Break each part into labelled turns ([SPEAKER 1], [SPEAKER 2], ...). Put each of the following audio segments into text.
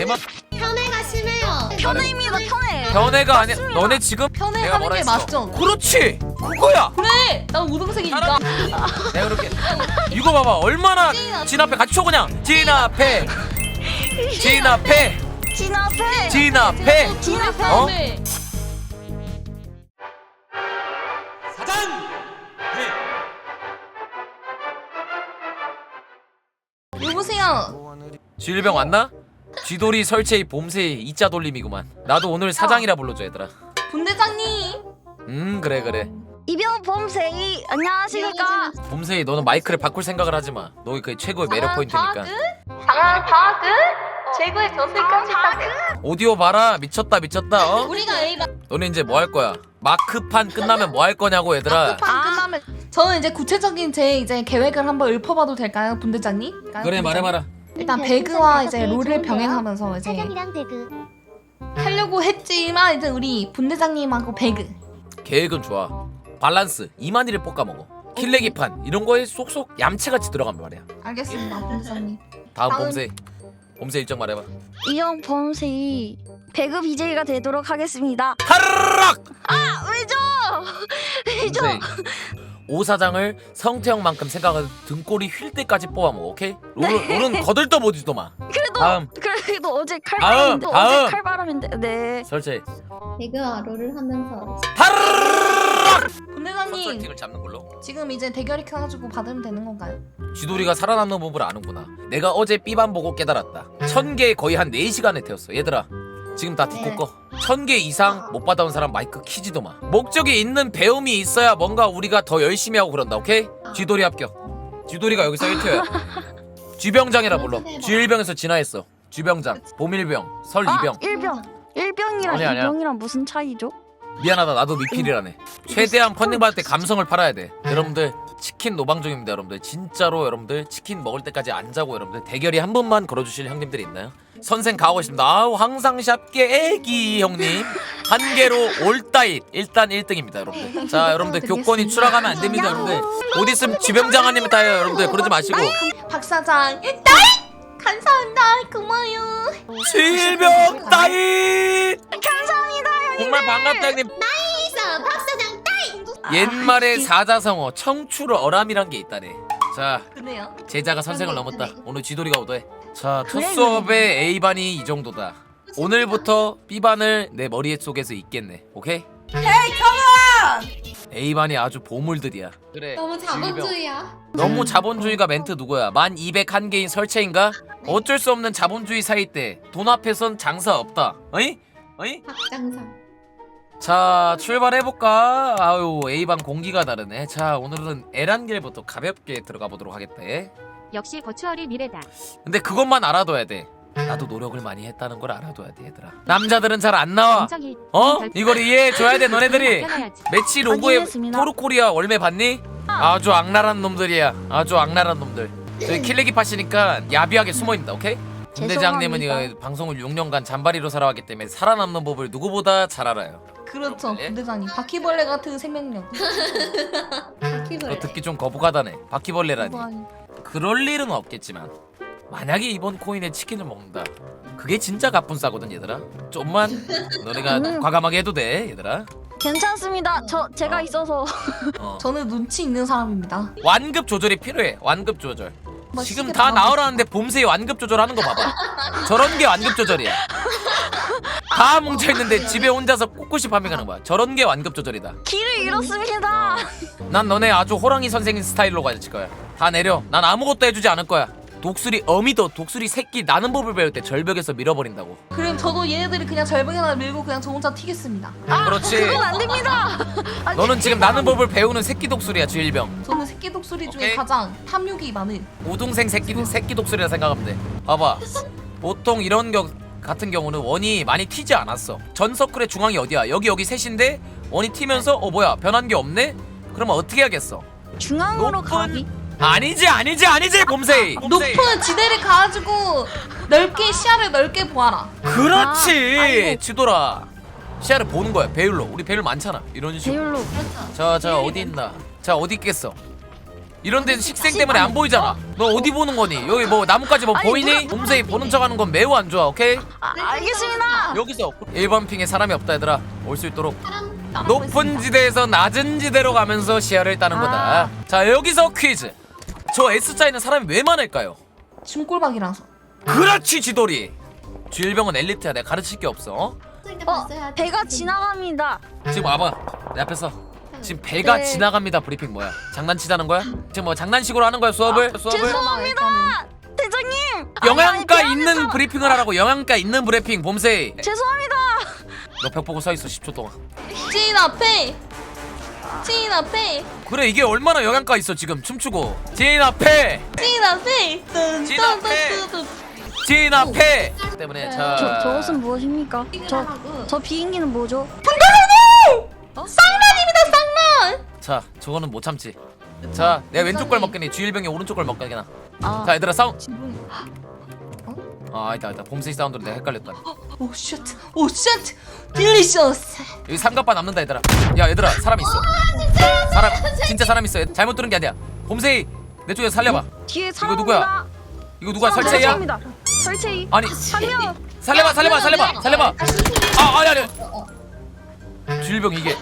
[SPEAKER 1] 개만
[SPEAKER 2] 편애가 심해요.
[SPEAKER 3] 편애입니다 편애.
[SPEAKER 1] 변해가 아니야. 너네 지금
[SPEAKER 4] 편애
[SPEAKER 1] 내가
[SPEAKER 4] 하는
[SPEAKER 1] 뭐라
[SPEAKER 4] 게
[SPEAKER 1] 했어?
[SPEAKER 4] 맞죠?
[SPEAKER 1] 그렇지. 그거야.
[SPEAKER 4] 그래! 난 우등생이니까.
[SPEAKER 1] 내가 그렇게 이거 봐봐. 얼마나 진압해. 같이 쳐 그냥. 진압해. 진압해.
[SPEAKER 3] 진압해.
[SPEAKER 1] 진압해.
[SPEAKER 3] 진압해.
[SPEAKER 1] 어?
[SPEAKER 4] 여보세요.
[SPEAKER 1] 쥐일병 왔나? 쥐돌이 설채이 봄새이 이자 돌림이구만. 나도 오늘 사장이라 불러줘 얘들아.
[SPEAKER 4] 분대장님.
[SPEAKER 1] 그래.
[SPEAKER 3] 이병 범세이 안녕하십니까.
[SPEAKER 1] 봄새이 너는 마이크를 바꿀 생각을 하지 마. 너희 그 최고의 매력 포인트니까.
[SPEAKER 4] 장안 파그? 최고의 전세까지
[SPEAKER 1] 오디오 봐라. 미쳤다. 어?
[SPEAKER 4] 우리가 A반
[SPEAKER 1] 너네 이제 뭐 할 거야? 마크판 끝나면 뭐 할 거냐고 얘들아.
[SPEAKER 4] 끝나면 저는 이제 구체적인 제 이제 계획을 한번 읊어봐도 될까요, 분대장님?
[SPEAKER 1] 그래 말해봐라.
[SPEAKER 4] 일단 배그와 이제 롤을 병행하면서 이제
[SPEAKER 2] 사장이랑 배그.
[SPEAKER 4] 하려고 했지만 이제 우리 분대장님하고 배그.
[SPEAKER 1] 계획은 좋아. 밸런스 이만희를 볶아먹어. 킬레기판 이런 거에 쏙쏙 얌체같이 들어가면 말이야.
[SPEAKER 4] 알겠습니다, 분대장님.
[SPEAKER 1] 다음
[SPEAKER 4] 다음.
[SPEAKER 1] 봄새 일정 말해봐.
[SPEAKER 3] 이병 범세이 배그 BJ가 되도록 하겠습니다.
[SPEAKER 1] 타르락!
[SPEAKER 3] 왜죠? 왜죠?
[SPEAKER 1] 봄새 오 사장을 성태형만큼 생각하고 등골이 휠 때까지 뽑아먹어. 오케이? 롤은 거들떠보지도 마.
[SPEAKER 3] 그래도 어제
[SPEAKER 1] 다음.
[SPEAKER 3] 칼바람인데 어제 칼바람인데 네.
[SPEAKER 1] 설치.
[SPEAKER 2] 배그와 롤을 하면서
[SPEAKER 1] 타르락!
[SPEAKER 4] 분대장님
[SPEAKER 1] 컨설팅을 잡는 걸로.
[SPEAKER 4] 지금 이제 대결이 켜가지고 받으면 되는 건가요?
[SPEAKER 1] 쥐돌이가 살아남는 법을 아는구나. 내가 어제 삐반 보고 깨달았다. 1000개 거의 한 4시간에 태웠어. 얘들아 지금 다 디코
[SPEAKER 2] 네.
[SPEAKER 1] 꺼. 1000개 이상 못 받아온 사람 마이크 키지도 마. 목적이 있는 배움이 있어야 뭔가 우리가 더 열심히 하고 그런다. 오케이? 쥐돌이 합격. 쥐돌이가 여기서 1티어야. 쥐병장이라 불러. 쥐일병에서 진화했어. 쥐병장, 봄일병, 설이병.
[SPEAKER 3] 일병이랑
[SPEAKER 1] 아니야.
[SPEAKER 3] 이병이랑 무슨 차이죠?
[SPEAKER 1] 미안하다 나도 미필이라네. 최대한 펀딩 받을 때 감성을 팔아야 돼. 여러분들 치킨 노방 중입니다. 여러분들 진짜로 여러분들 치킨 먹을 때까지 안 자고 여러분들 대결이 한 번만 걸어주실 형님들이 있나요? 선생 가고 있습니다. 아우 항상 샵게 애기 형님 한 개로 올따잇 일단 1등입니다 여러분들. 자 여러분들 교권이 추락하면 안 됩니다 여러분들. 곧 있으면 쥐병장아님 따요 여러분들. 그러지 마시고.
[SPEAKER 4] 박 사장 따잇! 감사합니다. 고마워요.
[SPEAKER 1] 쥐병 따잇.
[SPEAKER 3] 감사합니다 형님.
[SPEAKER 1] 정말 반갑다 형님.
[SPEAKER 2] 있어 박사장 따이.
[SPEAKER 1] 옛말에 사자성어 청출 어람이란 게 있다네. 자
[SPEAKER 4] 그래요?
[SPEAKER 1] 제자가 선생을 넘었다. 오늘 쥐돌이가 오더해. 자, 첫
[SPEAKER 3] 그래,
[SPEAKER 1] 수업의 A반이 이 정도다. 오늘부터 B반을 내 머릿속에서 잊겠네. 오케이? A반이 아주 보물들이야. 그래.
[SPEAKER 2] 너무 자본주의야.
[SPEAKER 1] 너무 자본주의가 멘트 누구야? 1201개인 설채인가? 어쩔 수 없는 자본주의 사이 때 돈 앞에선 장사 없다. 어이?
[SPEAKER 2] 박장상.
[SPEAKER 1] 자, 출발해볼까? 아유, A반 공기가 다르네. 자, 오늘은 에란길부터 가볍게 들어가 보도록 하겠다.
[SPEAKER 5] 역시 버추얼이 미래다.
[SPEAKER 1] 근데 그것만 알아둬야 돼. 나도 노력을 많이 했다는 걸 알아둬야 돼 얘들아. 남자들은 잘 안 나와.
[SPEAKER 5] 인정이
[SPEAKER 1] 어? 이걸 이해해줘야 돼 너네들이.
[SPEAKER 5] 바뀌어야지.
[SPEAKER 1] 매치 로고에
[SPEAKER 3] 확인했습니다.
[SPEAKER 1] 토르코리아 월매 봤니? 아주 악랄한 놈들이야. 아주 악랄한 놈들. 저희 킬레기 파시니까 야비하게 숨어있다. 오케이? 군대장님은
[SPEAKER 3] 죄송합니다.
[SPEAKER 1] 이거 방송을 6년간 잔바리로 살아왔기 때문에 살아남는 법을 누구보다 잘 알아요.
[SPEAKER 4] 그렇죠, 분대장님. 바퀴벌레 같은 생명력.
[SPEAKER 2] 바퀴벌레.
[SPEAKER 1] 그거 듣기 좀 거북하다네. 바퀴벌레라니. 그럴 일은 없겠지만 만약에 이번 코인에 치킨을 먹는다. 그게 진짜 갑분싸거든 얘들아. 좀만 너네가 과감하게 해도 돼 얘들아.
[SPEAKER 3] 괜찮습니다. 제가 있어서
[SPEAKER 4] 저는 눈치 있는 사람입니다.
[SPEAKER 1] 완급 조절이 필요해. 완급 조절. 지금
[SPEAKER 4] 맛있게
[SPEAKER 1] 다
[SPEAKER 4] 나오겠다.
[SPEAKER 1] 나오라는데 봄새이 완급 조절하는 거 봐봐. 저런 게 완급 조절이야. 다 뭉쳐있는데 집에 혼자서 꿋꿋이 파밍하는 거야. 저런 게 완급 조절이다.
[SPEAKER 3] 길을 잃었습니다.
[SPEAKER 1] 난 너네 아주 호랑이 선생님 스타일로 가질 거야. 다 내려. 난 아무것도 해주지 않을 거야. 독수리 어미도 독수리 새끼 나는 법을 배울 때 절벽에서 밀어버린다고.
[SPEAKER 4] 그럼 저도 얘네들이 그냥 절벽에다 밀고 그냥 저 혼자 튀겠습니다.
[SPEAKER 1] 그렇지.
[SPEAKER 3] 그건 안 됩니다.
[SPEAKER 1] 너는 지금 나는 법을 배우는 새끼 독수리야 쥐일병.
[SPEAKER 4] 저는 새끼 독수리 중에
[SPEAKER 1] 오케이.
[SPEAKER 4] 가장 탐욕이 많은.
[SPEAKER 1] 우등생 새끼 독수리라 생각하면 돼. 봐봐. 보통 이런 같은 경우는 원이 많이 튀지 않았어. 전 서클의 중앙이 어디야? 여기 셋인데 원이 튀면서 뭐야 변한 게 없네? 그러면 어떻게 하겠어?
[SPEAKER 3] 중앙으로 가기.
[SPEAKER 1] 아니지 봄새이.
[SPEAKER 4] 높은 지대를 가지고 넓게 시야를 넓게 보아라.
[SPEAKER 1] 그렇지.
[SPEAKER 3] 아이고.
[SPEAKER 1] 지돌아. 시야를 보는 거야. 배율로. 우리 배율 많잖아. 이런 식으로.
[SPEAKER 3] 배율로.
[SPEAKER 1] 자 어디 있나? 자 어디 있겠어? 이런 데는 식생 때문에 안 보이잖아. 너 어디 보는 거니? 여기 뭐 나뭇가지 뭐
[SPEAKER 3] 아니,
[SPEAKER 1] 보이니? 봄새이 보는 척하는 건 매우 안 좋아. 오케이?
[SPEAKER 3] 알겠습니다.
[SPEAKER 1] 여기서 1번 핑에 사람이 없다 얘들아. 올 수 있도록
[SPEAKER 2] 사람
[SPEAKER 1] 높은 지대에서 낮은 지대로 가면서 시야를 따는 거다. 자 여기서 퀴즈. 저 S자에는 사람이 왜 많을까요?
[SPEAKER 4] 중골박이라서.
[SPEAKER 1] 그렇지 지돌이. 주일병은 엘리트야. 내가 가르칠 게 없어.
[SPEAKER 2] 봤어야 돼.
[SPEAKER 3] 배가 지나갑니다.
[SPEAKER 1] 지금 와봐 내 앞에서. 지금 배가
[SPEAKER 3] 네.
[SPEAKER 1] 지나갑니다 브리핑 뭐야? 장난치자는 거야? 지금 뭐 장난식으로 하는 거야 수업을?
[SPEAKER 3] 죄송합니다. 대장님.
[SPEAKER 1] 영양가
[SPEAKER 3] 아니,
[SPEAKER 1] 있는
[SPEAKER 3] 미안해서.
[SPEAKER 1] 브리핑을 하라고. 영양가 있는 브리핑 봄새이.
[SPEAKER 3] 죄송합니다.
[SPEAKER 1] 너 벽 보고 서 있어 10초 동안.
[SPEAKER 4] 찐 앞에. 찐 앞에.
[SPEAKER 1] 그래 이게 얼마나 영양가 있어 지금 춤추고. 진 앞에
[SPEAKER 4] 찐 앞에.
[SPEAKER 1] 찐 앞에. 진 앞에 때문에 자
[SPEAKER 3] 저것은 무엇입니까?
[SPEAKER 2] 하라고.
[SPEAKER 3] 저 비행기는 뭐죠?
[SPEAKER 4] 쌍란입니다 쌍란.
[SPEAKER 1] 자 저거는 못 참지. 자 내가 왼쪽 걸 먹겠니? 주일병이 오른쪽 걸 먹겠나?
[SPEAKER 3] 아,
[SPEAKER 1] 자 얘들아 싸움.
[SPEAKER 4] 지붕이.
[SPEAKER 1] 아 아니다 봄새이 사운드로 내가 헷갈렸다.
[SPEAKER 4] 오 쉣. 오 쉣. 딜리셔스.
[SPEAKER 1] 여기 삼각바 남는다 얘들아. 야 얘들아 사람 있어. 사람 진짜 사람 있어. 잘못 들은 게 아니야. 봄새이 내 쪽에서 살려봐.
[SPEAKER 3] 뒤에
[SPEAKER 1] 이거
[SPEAKER 3] 사람
[SPEAKER 1] 누구야?
[SPEAKER 3] 옵니다.
[SPEAKER 1] 이거 누가
[SPEAKER 3] 사람
[SPEAKER 1] 설채야?
[SPEAKER 3] 옵니다. 설채이.
[SPEAKER 1] 아니
[SPEAKER 3] 한명
[SPEAKER 1] 살려봐. 아 아니 주일병 이게.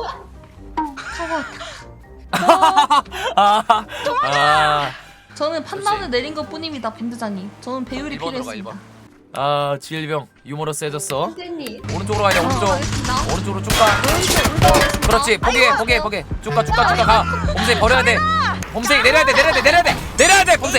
[SPEAKER 1] 아
[SPEAKER 4] 저는 판단을 내린 것 뿐입니다, 밴드장님. 저는 배율이
[SPEAKER 1] 1번으로 가
[SPEAKER 4] 필요했습니다.
[SPEAKER 1] 1번. 아 주일병 유머러스해졌어.
[SPEAKER 2] 선생님.
[SPEAKER 1] 오른쪽으로 가야 돼 오른쪽.
[SPEAKER 4] 알겠습니다.
[SPEAKER 1] 오른쪽으로 쭉 가. 그렇지 포기해 쭉 가 가. 봄새이 버려야 돼. 봄새이 내려야 돼 봄새이.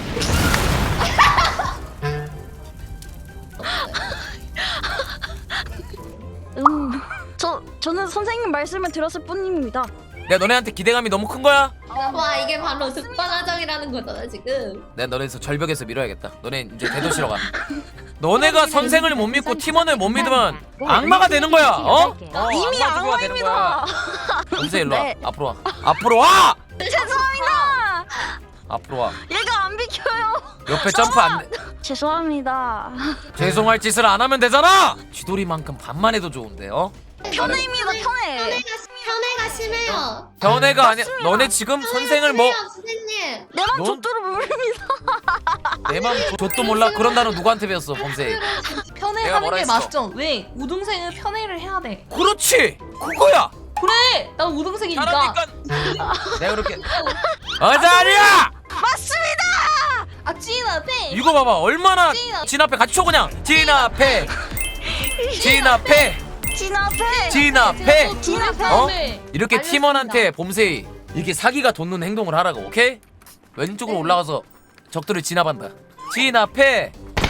[SPEAKER 3] 저는 선생님 말씀을 들었을 뿐입니다.
[SPEAKER 1] 내가 너네한테 기대감이 너무 큰 거야?
[SPEAKER 2] 와 이게 바로 득반하정이라는 거잖아 지금.
[SPEAKER 1] 내가 너네에서 절벽에서 밀어야겠다. 너네 이제 대도시로 가. 너네가 선생을 못 믿고 팀원을 못 믿으면 악마가 되는 거야. 어?
[SPEAKER 3] 이미
[SPEAKER 1] 악마 되는 거야.
[SPEAKER 3] 악마입니다.
[SPEAKER 1] 봄새이 일로 와.
[SPEAKER 3] 네.
[SPEAKER 1] 앞으로 와. 앞으로 와.
[SPEAKER 3] 죄송합니다.
[SPEAKER 1] 앞으로 와.
[SPEAKER 3] 얘가 안 비켜요.
[SPEAKER 1] 옆에 점프 안 돼.
[SPEAKER 3] 죄송합니다.
[SPEAKER 1] 죄송할 짓을 안 하면 되잖아. 쥐돌이만큼 반만 해도 좋은데 어?
[SPEAKER 3] 편애입니다. 편애.
[SPEAKER 2] 편애가 심해요.
[SPEAKER 1] 변해가 아니야. 너네 지금 선생을 뭐
[SPEAKER 2] 선생님.
[SPEAKER 3] 내맘
[SPEAKER 1] 넌-
[SPEAKER 3] 족도로 모릅니다.
[SPEAKER 1] 내맘 좆도 몰라. 그런 단어 누구한테 배웠어 봄새이? 내가
[SPEAKER 4] 편애하는
[SPEAKER 1] 뭐라
[SPEAKER 4] 게
[SPEAKER 1] 했어?
[SPEAKER 4] 맞죠? 왜? 우등생은 편애를 해야 돼.
[SPEAKER 1] 그렇지. 그거야.
[SPEAKER 4] 그래! 난 우등생이니까.
[SPEAKER 1] 잘하니까. 내가 그렇게. 아자리야.
[SPEAKER 3] 맞습니다.
[SPEAKER 4] 아, 찐 앞에!
[SPEAKER 1] 이거 봐봐 얼마나 진 앞에 같이 쳐 그냥. 진 앞에.
[SPEAKER 3] 진 앞에.
[SPEAKER 4] 찐 앞에!
[SPEAKER 1] 어? 이렇게
[SPEAKER 4] 알겠습니다.
[SPEAKER 1] 팀원한테 봄새이 이렇게 사기가 돋는 행동을 하라고. 오케이? 왼쪽으로 올라가서 적들을 진압한다. 진 앞에.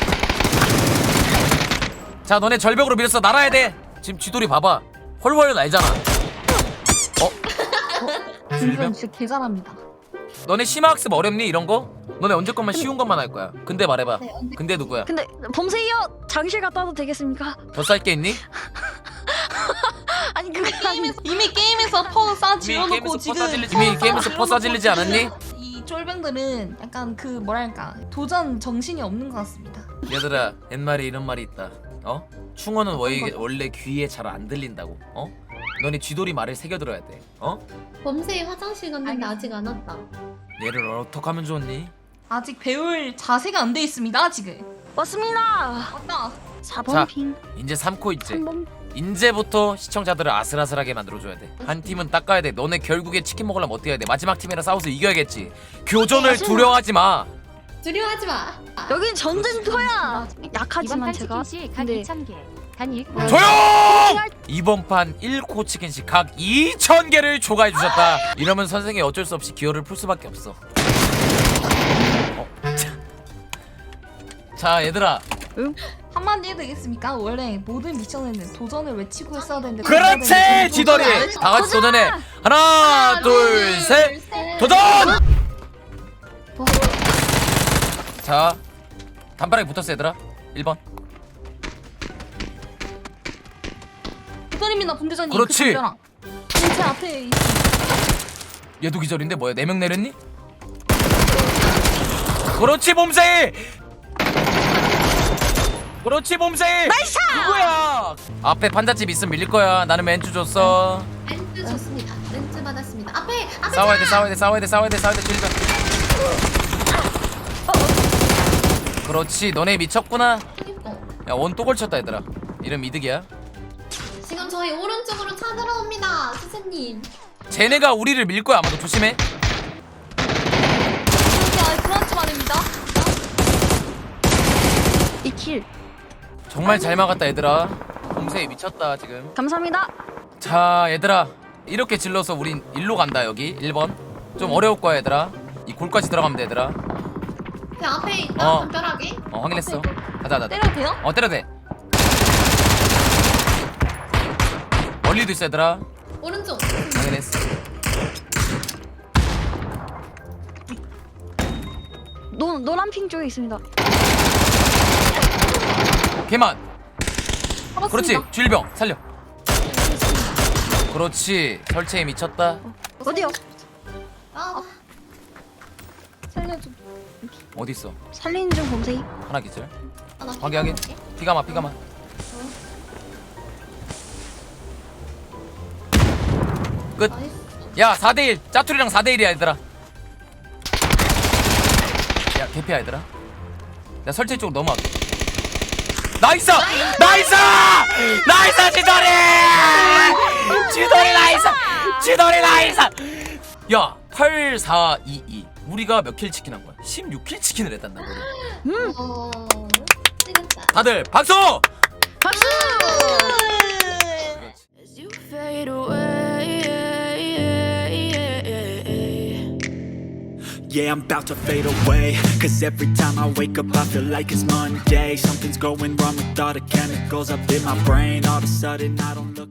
[SPEAKER 1] 자 너네 절벽으로 밀어서 날아야 돼. 지금 쥐돌이 봐봐 헐헐 날잖아.
[SPEAKER 4] 밴드장 진짜 개잘합니다.
[SPEAKER 1] 너네 심화학습 어렵니 이런 거? 너네 언제 것만 쉬운 것만 할 거야. 근데 말해봐.
[SPEAKER 2] 네, 언제-
[SPEAKER 1] 근데 누구야?
[SPEAKER 3] 근데 봄새이요 장실 갔다 와도 되겠습니까?
[SPEAKER 1] 더 쌀 게 있니?
[SPEAKER 3] 아니 그게 아니.
[SPEAKER 4] 이미 게임에서 퍼 싸질러놓고 지금
[SPEAKER 1] 이미 게임에서 퍼 싸질리지 않았니?
[SPEAKER 4] 이 쫄병들은 약간 그 뭐랄까 도전 정신이 없는 것 같습니다.
[SPEAKER 1] 얘들아 옛말에 이런 말이 있다. 어? 충어는 원래 귀에 잘 안 들린다고. 어? 너네 쥐돌이 말을 새겨 들어야 돼. 어?
[SPEAKER 2] 범세이 화장실 갔는데 아직 안 왔다.
[SPEAKER 1] 얘를 어떡하면 좋니?
[SPEAKER 4] 아직 배울 자세가 안 돼 있습니다 지금.
[SPEAKER 3] 왔습니다.
[SPEAKER 4] 맞다.
[SPEAKER 3] 4번
[SPEAKER 1] 자,
[SPEAKER 3] 핑.
[SPEAKER 1] 이제 3코 있지.
[SPEAKER 3] 3번.
[SPEAKER 1] 이제부터 시청자들을 아슬아슬하게 만들어줘야 돼. 한 팀은 닦아야 돼. 너네 결국에 치킨 먹으려면 어떻게 해야 돼? 마지막 팀이랑 싸워서 이겨야겠지. 교전을
[SPEAKER 3] 맞습니다.
[SPEAKER 1] 두려워하지 마.
[SPEAKER 2] 두려워하지 마.
[SPEAKER 3] 여긴 전쟁터야.
[SPEAKER 5] 이번
[SPEAKER 3] 약하지만
[SPEAKER 5] 판
[SPEAKER 3] 제가.
[SPEAKER 5] 치킨시 각
[SPEAKER 3] 근데
[SPEAKER 5] 2,000개. 단 1.
[SPEAKER 1] 조용! 이번 판 1코 치킨씩 각 2,000개를 초과해 주셨다. 이러면 선생이 어쩔 수 없이 기어를 풀 수밖에 없어. 자 얘들아.
[SPEAKER 4] 한마디 해도 되겠습니까? 원래 모든 미션에는 도전을 외치고 했어야 되는데
[SPEAKER 1] 그렇지 지더리. 다 같이 도전해. 하나 둘 셋. 도전! 자 단발하게 붙었어 얘들아. 1번.
[SPEAKER 4] 도전입니다 분대장님.
[SPEAKER 1] 그렇지.
[SPEAKER 4] 제 앞에 있-
[SPEAKER 1] 얘도 기절인데 뭐야 4명 내렸니? 그렇지 봄새이. 그렇지 봄새이. 나이스. 누구야? 앞에 판잣집 있으면 밀릴 거야. 나는 멘트 줬어.
[SPEAKER 2] 렌즈 줬습니다. 렌즈 받았습니다. 앞에
[SPEAKER 1] 싸워야 돼 찔려. 그렇지 너네 미쳤구나.
[SPEAKER 2] 그니까.
[SPEAKER 1] 야 원 또 걸쳤다 얘들아. 이름 이득이야.
[SPEAKER 2] 지금 저희 오른쪽으로 찾으러 옵니다, 선생님.
[SPEAKER 1] 쟤네가 우리를 밀 거야 아마도. 조심해.
[SPEAKER 3] 그런 좀 아닙니다. 2킬.
[SPEAKER 1] 정말 잘 막았다 얘들아. 봄새 미쳤다 지금.
[SPEAKER 3] 감사합니다.
[SPEAKER 1] 자 얘들아 이렇게 질러서 우린 일로 간다. 여기 1번 좀 어려울 거야 얘들아. 이 골까지 들어가면 돼 얘들아.
[SPEAKER 2] 그 앞에 있다,
[SPEAKER 1] 어.
[SPEAKER 2] 담벼락에.
[SPEAKER 1] 확인했어. 가자.
[SPEAKER 3] 때려도 돼요?
[SPEAKER 1] 때려도 돼. 멀리도 있어 얘들아.
[SPEAKER 2] 오른쪽.
[SPEAKER 1] 확인했어.
[SPEAKER 3] 노란 핑 쪽에 있습니다.
[SPEAKER 1] 걔만.
[SPEAKER 4] 잡았습니다.
[SPEAKER 1] 그렇지 주일병 살려. 그렇지 설치에 미쳤다.
[SPEAKER 3] 어디요?
[SPEAKER 2] 아,
[SPEAKER 3] 살려줘.
[SPEAKER 1] 어디 있어?
[SPEAKER 3] 살리는 중 봄새이.
[SPEAKER 1] 하나 기절.
[SPEAKER 2] 나
[SPEAKER 1] 확인. 피가마. 끝.
[SPEAKER 2] 나이스.
[SPEAKER 1] 야 4대1 짜투리랑 4대1이야 얘들아. 야 개피야 얘들아. 야 설치 쪽으로 넘어갈게. 나이스 지돌이 나이스. 야 8422 우리가 몇 킬 치킨 한 거야? 16킬 치킨을 했단 말이야.
[SPEAKER 2] 찌겠다.
[SPEAKER 1] 다들 박수.
[SPEAKER 3] 박수!
[SPEAKER 6] As you fade away,
[SPEAKER 7] yeah, I'm about to fade away. Cause every time I wake up, I feel like it's Monday. Something's going wrong with all the chemicals up in my brain. All of a sudden, I don't look